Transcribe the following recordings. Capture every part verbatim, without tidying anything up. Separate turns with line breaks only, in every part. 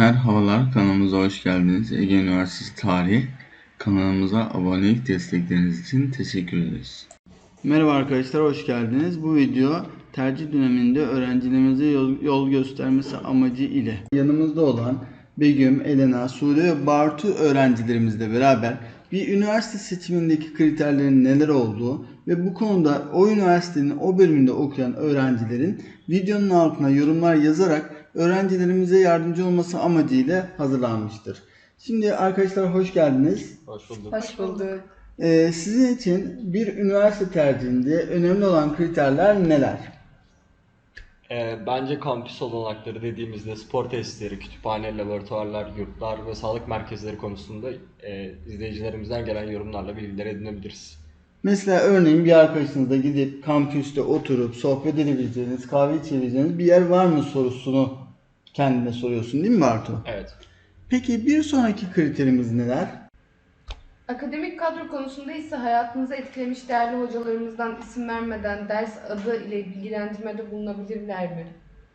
Merhabalar, kanalımıza hoş geldiniz. Ege Üniversitesi Tarih kanalımıza abonelik destekleriniz için teşekkür ederiz. Merhaba arkadaşlar, hoş geldiniz. Bu video tercih döneminde öğrencilerimize yol, yol göstermesi amacı ile yanımızda olan Begüm, Elena, Sude ve Bartu öğrencilerimizle beraber bir üniversite seçimindeki kriterlerin neler olduğu ve bu konuda o üniversitenin o bölümünde okuyan öğrencilerin videonun altına yorumlar yazarak öğrencilerimize yardımcı olması amacıyla hazırlanmıştır. Şimdi arkadaşlar hoş geldiniz.
Hoş bulduk.
Hoş bulduk.
Ee, sizin için bir üniversite tercihinde önemli olan kriterler neler?
Ee, bence kampüs olanakları dediğimizde spor tesisleri, kütüphane, laboratuvarlar, yurtlar ve sağlık merkezleri konusunda e, izleyicilerimizden gelen yorumlarla bilgiler edinebiliriz.
Mesela örneğin bir arkadaşınızla gidip kampüste oturup sohbet edebileceğiniz, kahve içebileceğiniz bir yer var mı sorusunu kendine soruyorsun değil mi Bartu?
Evet.
Peki bir sonraki kriterimiz neler?
Akademik kadro konusunda ise hayatınızı etkilemiş değerli hocalarımızdan isim vermeden ders adı ile bilgilendirmede bulunabilirler mi?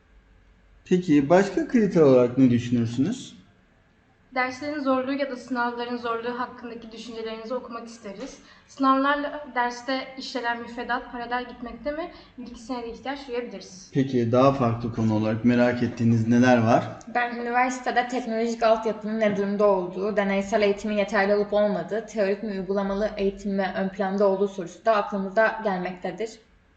Peki başka kriter olarak ne düşünürsünüz?
Derslerin zorluğu ya da sınavların zorluğu hakkındaki düşüncelerinizi okumak isteriz. Sınavlarla derste işlenen müfredat paralel gitmekte mi? Bilgisine de ihtiyaç duyabiliriz.
Peki daha farklı konu olarak merak ettiğiniz neler var?
Ben üniversitede teknolojik altyapının ne durumda olduğu, deneysel eğitimin yeterli olup olmadığı, teorik mi uygulamalı eğitim mi ön planda olduğu sorusu da aklımıza gelmektedir.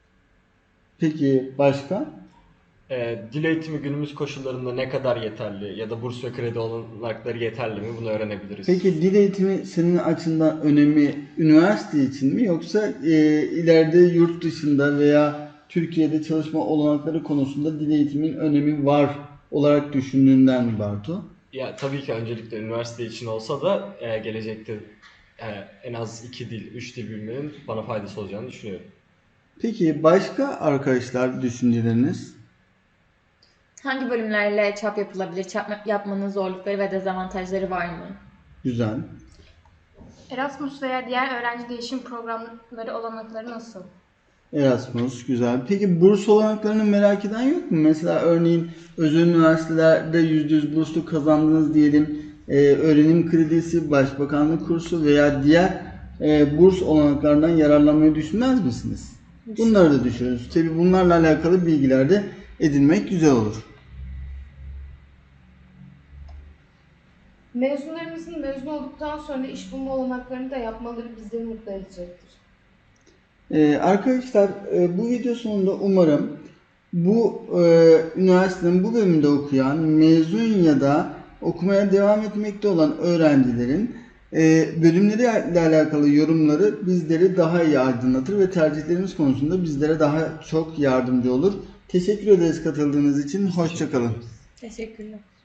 Peki başka?
Ee, dil eğitimi günümüz koşullarında ne kadar yeterli ya da burs ve kredi olanakları yeterli mi bunu öğrenebiliriz.
Peki dil eğitimi senin açından önemi üniversite için mi yoksa e, ileride yurt dışında veya Türkiye'de çalışma olanakları konusunda dil eğitimin önemi var olarak düşündüğünden mi Bartu?
Ya tabii ki öncelikle üniversite için olsa da e, gelecekte e, en az iki dil, üç dil bilmenin bana faydası olacağını düşünüyorum.
Peki başka arkadaşlar düşünceleriniz?
Hangi bölümlerle çap yapılabilir, çap yapmanın zorlukları ve dezavantajları var mı?
Güzel.
Erasmus veya diğer öğrenci değişim programları olanakları nasıl?
Erasmus güzel. Peki burs olanaklarını merak eden yok mu? Mesela örneğin özel üniversitelerde yüzde yüz burslu kazandınız diyelim. Ee, öğrenim kredisi, başbakanlık kursu veya diğer e, burs olanaklarından yararlanmayı düşünmez misiniz? Bunları da düşünürüz. Tabii bunlarla alakalı bilgiler de edinmek güzel olur.
Mezunlarımızın mezun olduktan sonra iş bulma olanaklarını da yapmaları bizleri mutlu edecektir.
Ee, arkadaşlar e, bu video sonunda umarım bu e, üniversitenin bu bölümünde okuyan, mezun ya da okumaya devam etmekte olan öğrencilerin e, bölümleriyle alakalı yorumları bizleri daha iyi aydınlatır ve tercihlerimiz konusunda bizlere daha çok yardımcı olur. Teşekkür ederiz katıldığınız için. Hoşça kalın.
Teşekkürler.